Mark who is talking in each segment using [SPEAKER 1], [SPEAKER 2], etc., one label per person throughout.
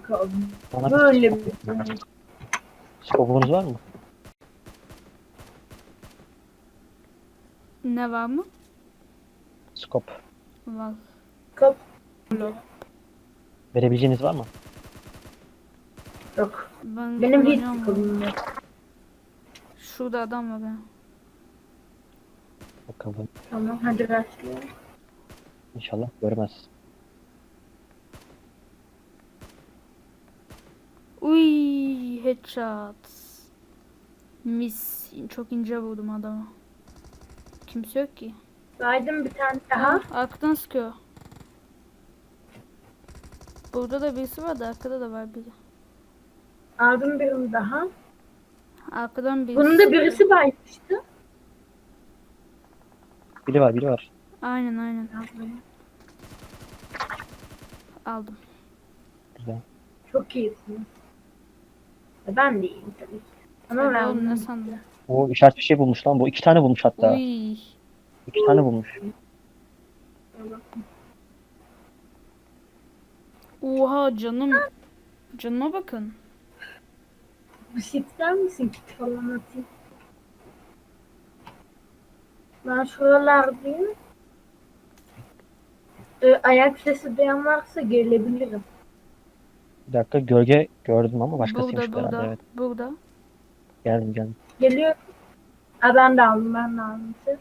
[SPEAKER 1] kanka.
[SPEAKER 2] Bana
[SPEAKER 1] Böyle
[SPEAKER 2] bir
[SPEAKER 1] bir
[SPEAKER 2] skopunuz var mı?
[SPEAKER 3] Ne var mı?
[SPEAKER 2] Skop.
[SPEAKER 3] Var.
[SPEAKER 1] kap
[SPEAKER 2] Verebileceğiniz var mı?
[SPEAKER 1] yok.
[SPEAKER 3] Ben
[SPEAKER 1] Benim hiç
[SPEAKER 3] kullanıyorum bunu.
[SPEAKER 1] sıkıntım yok.
[SPEAKER 3] Şurada adam var ya.
[SPEAKER 2] Bakalım.
[SPEAKER 1] Tamam hadi başlayalım.
[SPEAKER 2] İnşallah görmez.
[SPEAKER 3] Uy, headshot. Mis. Çok ince vurdum adamı. Kimse yok ki.
[SPEAKER 1] Saydım bir tane daha.
[SPEAKER 3] Arkadan sıkıyor. Burada da birisi var da arkada da var biri.
[SPEAKER 1] Aldım birini daha.
[SPEAKER 3] Arkadan birisi
[SPEAKER 1] Bunun da
[SPEAKER 3] sıkıyor.
[SPEAKER 1] birisi baymıştı.
[SPEAKER 2] Biri var, biri var.
[SPEAKER 3] Aynen. Aldım.
[SPEAKER 2] Güzel.
[SPEAKER 1] Çok iyisin. Ben de iyiyim tabii ki. Ama
[SPEAKER 3] Hadi
[SPEAKER 1] ben
[SPEAKER 3] oğlum ne sandın?
[SPEAKER 2] O işaret bir şey bulmuş lan. Bu iki tane bulmuş hatta.
[SPEAKER 3] Uy.
[SPEAKER 2] İki tane bulmuş.
[SPEAKER 3] Oha canım. Canıma bakın.
[SPEAKER 1] bir şey ister misin kit falan atayım? Ben şuralardayım. Ayak sesi duyan varsa gelebilirim.
[SPEAKER 2] Bir dakika gölge gördüm ama başkasıymış
[SPEAKER 3] Burada
[SPEAKER 2] herhalde.
[SPEAKER 3] burada.
[SPEAKER 2] Evet.
[SPEAKER 3] Burada.
[SPEAKER 2] Geldim.
[SPEAKER 1] Geliyor. Ha, ben de aldım siz.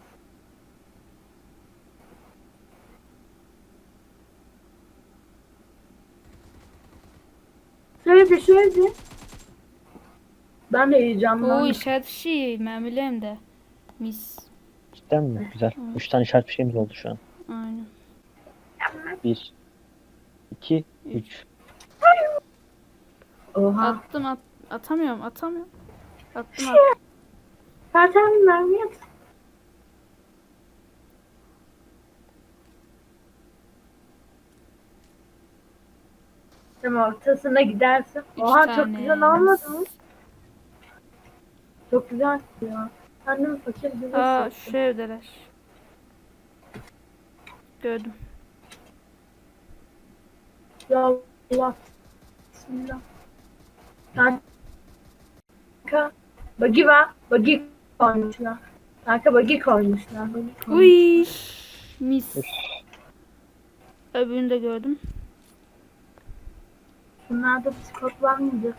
[SPEAKER 1] Şöyle. Ben de
[SPEAKER 3] Oo
[SPEAKER 1] heyecanlandım.
[SPEAKER 3] işaret şey. Mermilerim de. Mis.
[SPEAKER 2] Cidden mi? Güzel. 3 tane işaret bir şeyimiz oldu şu an.
[SPEAKER 3] Aynen.
[SPEAKER 2] 1, 2, 3.
[SPEAKER 1] Oha.
[SPEAKER 3] Attım atamıyorum. Attım.
[SPEAKER 1] Zaten mermi at. Tamam ortasına gidersin.
[SPEAKER 3] Üç
[SPEAKER 1] Oha
[SPEAKER 3] tane.
[SPEAKER 1] çok güzel olmadı mı? Çok güzel ya. Annem fakir bize
[SPEAKER 3] Aa
[SPEAKER 1] sattı.
[SPEAKER 3] şu evdeler. Gördüm.
[SPEAKER 1] Ya Allah. Bismillah. Kanka. Bagi var. Bagi koymuşlar. Kanka bagi koymuşlar.
[SPEAKER 3] Uy. Mis. Öbürünü de gördüm.
[SPEAKER 1] Bunlarda psikop var mıydı?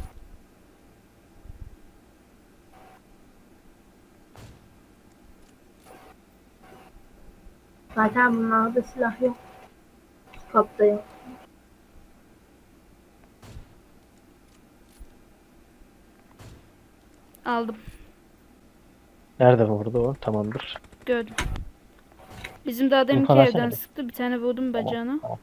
[SPEAKER 1] Zaten bunlarda silah yok. Psikop da yok.
[SPEAKER 3] Aldım.
[SPEAKER 2] Nerede vurdu o? Tamamdır.
[SPEAKER 3] Gördüm. Bizim daha deminki
[SPEAKER 2] İnfo
[SPEAKER 3] evden
[SPEAKER 2] versene bir.
[SPEAKER 3] sıktı. Bir tane vurdum bacağına.
[SPEAKER 2] Tamam.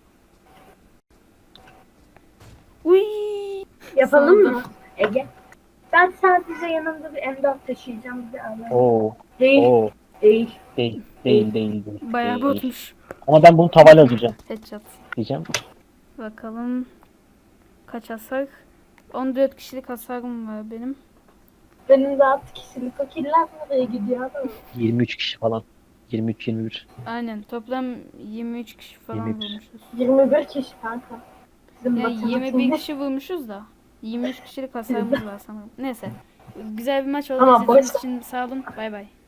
[SPEAKER 3] Uy.
[SPEAKER 1] Yapalım
[SPEAKER 3] Sandım.
[SPEAKER 1] mı Ege? Ben sadece yanımda bir M4 taşıyacağım bir de alayım.
[SPEAKER 2] Oo.
[SPEAKER 1] Değil.
[SPEAKER 2] Oo.
[SPEAKER 1] Değil.
[SPEAKER 2] Değil.
[SPEAKER 3] Bayağı
[SPEAKER 2] Değil.
[SPEAKER 3] botmuş.
[SPEAKER 2] Ama ben bunu tavayla öldüreceğim.
[SPEAKER 3] Headshot.
[SPEAKER 2] Diyeceğim.
[SPEAKER 3] Bakalım. Kaç hasar? 14 kişilik hasarım var benim.
[SPEAKER 1] Benim de 6 kişilik o killer nereye gidiyor adam?
[SPEAKER 2] 23 kişi falan. 23-21.
[SPEAKER 3] Aynen. Toplam 23 kişi falan
[SPEAKER 2] 21.
[SPEAKER 3] vurmuşuz.
[SPEAKER 1] 21 kişi kanka. Bizim
[SPEAKER 3] Yani 21
[SPEAKER 1] matematiğimiz.
[SPEAKER 3] kişi vurmuşuz da 23 kişilik hasarımız var sanırım. Neyse. Güzel bir maç oldu.
[SPEAKER 1] Ama
[SPEAKER 3] İzlediğiniz
[SPEAKER 1] boş-
[SPEAKER 3] için sağ olun. Bay bay.